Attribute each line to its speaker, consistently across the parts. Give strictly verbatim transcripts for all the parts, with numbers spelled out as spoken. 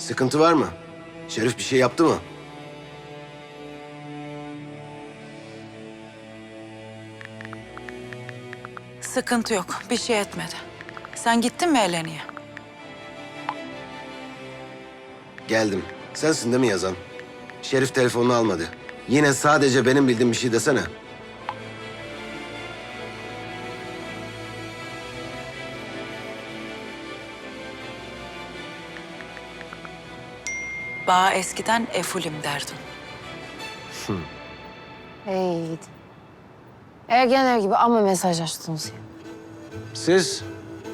Speaker 1: Sıkıntı var mı? Şerif bir şey yaptı mı?
Speaker 2: Sıkıntı yok. Bir şey etmedi. Sen gittin mi Eleni'ye?
Speaker 1: Geldim. Sensin değil mi yazan? Şerif telefonunu almadı. Yine sadece benim bildiğim bir şey desene.
Speaker 2: Bana eskiden Efulim derdin.
Speaker 3: Hey gidi. Ergenler gibi ama mesajlaştınız ya.
Speaker 1: Siz?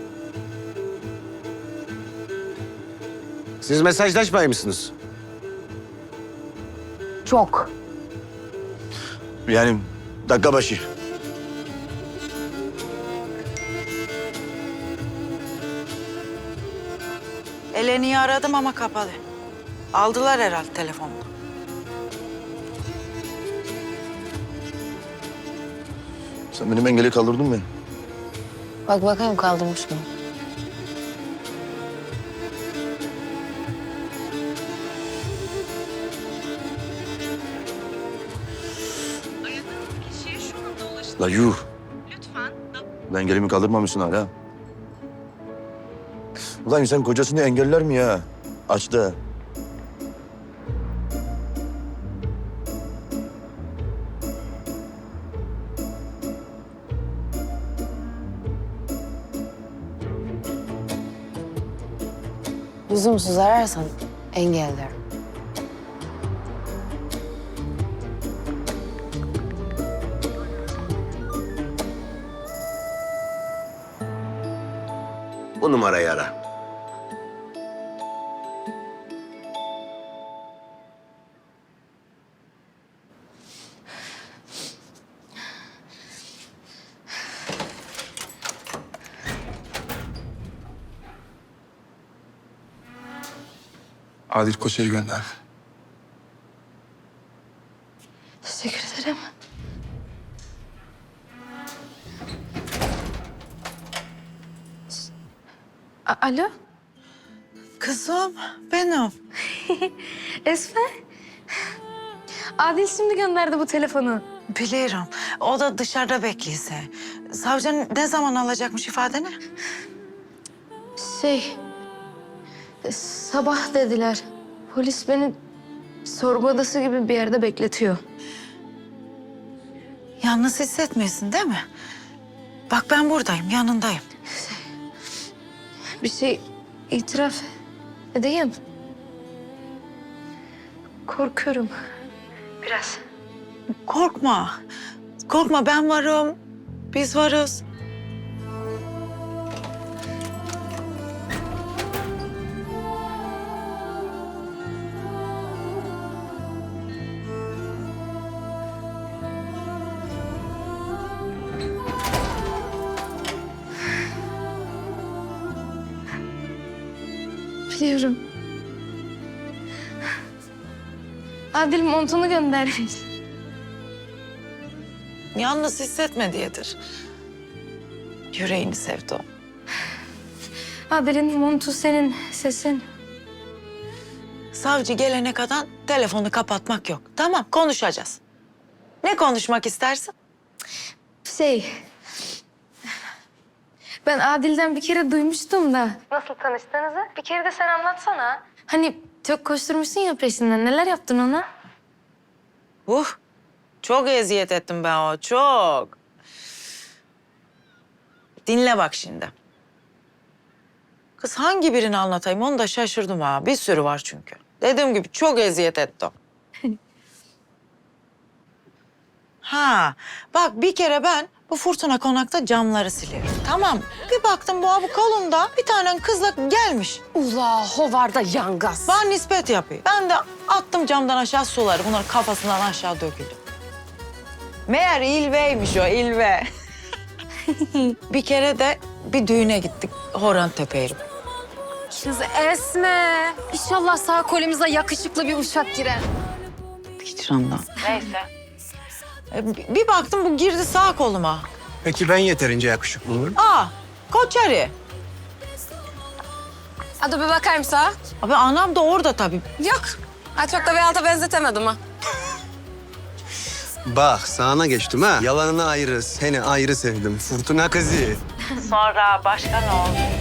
Speaker 1: Siz mesajlaşmay mısınız?
Speaker 3: Çok.
Speaker 4: Yani dakika başı.
Speaker 2: Eleni'yi aradım ama kapalı. Aldılar herhalde telefonunu.
Speaker 4: Sen benim engeli kaldırdın mı?
Speaker 3: Bak bakayım kaldırmış mı?
Speaker 5: Kişiye şu anda ulaşın.
Speaker 4: La yuh.
Speaker 5: Lütfen
Speaker 4: Lan engelimi kaldırmamışsın hala. Ulan insan kocasını engeller mi ya? Açtı.
Speaker 3: Lüzumsuz ararsan engellerim.
Speaker 1: Bu numarayı ara.
Speaker 6: Adil Koçer'i gönder.
Speaker 3: Teşekkür ederim. A- Alo?
Speaker 2: Kızım, benim.
Speaker 7: Esme. Adil şimdi gönderdi bu telefonu.
Speaker 2: Biliyorum. O da dışarıda bekliyse. Savcı ne zaman alacakmış ifadeni?
Speaker 7: Şey, sabah dediler. Polis beni sorgu odası gibi bir yerde bekletiyor.
Speaker 2: Yalnız hissetmiyorsun değil mi? Bak ben buradayım, yanındayım.
Speaker 7: Bir şey itiraf edeyim. Korkuyorum. Biraz.
Speaker 2: Korkma. Korkma, ben varım. Biz varız.
Speaker 7: Biliyorum. Adil montunu göndermiş.
Speaker 2: Yalnız hissetme diyedir. Yüreğini sevdi o.
Speaker 7: Adil'in montu senin, sesin.
Speaker 2: Savcı gelene kadar telefonu kapatmak yok. Tamam, konuşacağız. Ne konuşmak istersin?
Speaker 7: Şey... Ben Adil'den bir kere duymuştum da. Nasıl tanıştığınızı? Bir kere de sen anlatsana. Hani çok koşturmuşsun ya peşinden. Neler yaptın ona?
Speaker 2: Uh, çok eziyet ettim ben o, çok. Dinle bak şimdi. Kız hangi birini anlatayım onu da şaşırdım ha. Bir sürü var çünkü. Dediğim gibi çok eziyet etti o. Ha, bak bir kere ben bu Fırtına Konak'ta camları siliyorum. Tamam. Bir baktım bu abi kolunda bir tane kızla gelmiş.
Speaker 3: Ula hovarda yangaz.
Speaker 2: Bana nispet yapıyor. Ben de attım camdan aşağı suları. Bunlar kafasından aşağı döküldü. Meğer İlve'ymiş o, İlve. Bir kere de bir düğüne gittik. Horan Tepe'ye.
Speaker 3: Kız Esme. İnşallah sağ kolumuza yakışıklı bir uşak girer.
Speaker 2: Hicrandan. Neyse. E, bir baktım bu girdi sağ koluma.
Speaker 6: Peki ben yeterince yakışıklı mıyım?
Speaker 2: Aa, Koçeri.
Speaker 6: Hadi bir bakayım sağa.
Speaker 2: Abi anam da orada tabii.
Speaker 6: Yok. Ha, çok da bir alta benzetemedim ha.
Speaker 8: Bak sağına geçtim ha. Yalanını ayrı, seni ayrı sevdim. Fırtına kızı.
Speaker 2: Sonra başka ne oldu?